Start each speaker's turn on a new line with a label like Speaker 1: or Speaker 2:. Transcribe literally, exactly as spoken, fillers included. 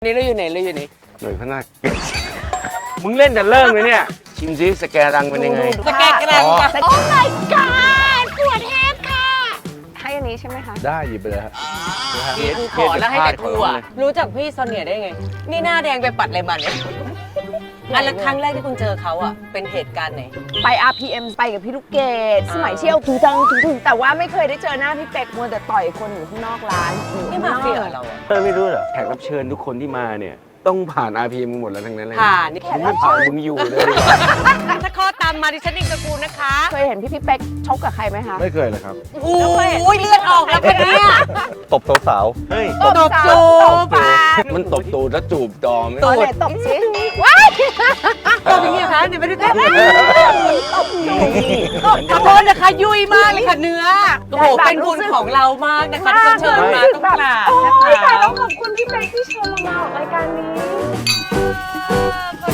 Speaker 1: นี่เราอยู่ไหนเราอยู่ไหน
Speaker 2: หน่วยพนักมึงเล่นแต่เริ่มเลยเนี่ยชิมซิสแกรังเป็นยังไง
Speaker 1: สแกนกระดังค่ะ
Speaker 3: โอ้ my god ปวดเฮดค่ะให้อันนี้ใช่ไหมคะ
Speaker 4: ได้หยิบไปเลยครับ
Speaker 1: นี่กูขอแล้วให้แต่กูอ่ะรู้จักพี่โซเนียได้ไง นี่หน้าแดงไปปัดอะไรมาเนี่ยอันละครั้งแรกที่คุณเจอเขาอ่ะเป็นเหตุการณ์ไหน
Speaker 3: ไป อาร์ พี เอ็ม ไปกับพี่ลูกเกดสมัยเชี่ยวถึงจังถึงถึงแต่ว่าไม่เคยได้เจอหน้าพี่เป็กมัวแต่ต่อยคนอยู่ข้างนอกร้านอยู่
Speaker 1: นี่
Speaker 3: ข้าง
Speaker 1: มาน
Speaker 3: อก
Speaker 1: เฟียเราอะ
Speaker 2: เธอไม่รู้เหรอแขกรับเชิญทุกคนที่มาเนี่ยต้องผ่าน อาร์ พี เอ็ม หมดแล้วทั้งนั้นเลย
Speaker 1: ผ่านนี่
Speaker 2: มึงไม่ผ่านมึงอยู่เลย
Speaker 1: ถ้าข้อตามมาดิฉันเองกับกูนะคะ
Speaker 3: เคยเห็นพี่พี่เป็กชกกับใครไหมคะ
Speaker 4: ไม่เคยเลยครับ
Speaker 1: โอ้ยเลือดออกแล้วเป็นเนี่ย
Speaker 4: ตบสาว
Speaker 2: เฮ้ย
Speaker 1: ตบจูบ
Speaker 2: มันตบตูดแล้วจูบดอมไหม
Speaker 3: ตบไหนตบสิว้าย
Speaker 1: ตบอย่างนี้คะเนี่ยไม่ได้ตบขอโทษนะคะยุ่ยมากเลยค่ะเนื้อโอ้โหเป็นบุญของเรามากนะคะที่เชิญมาต้องกราบ
Speaker 3: โอ้
Speaker 1: นะ
Speaker 3: ยตาย
Speaker 1: คะ
Speaker 3: แล้วขอบคุณพี่เป็กที่เชิญเรามาออกรายการนี้
Speaker 1: ขอบ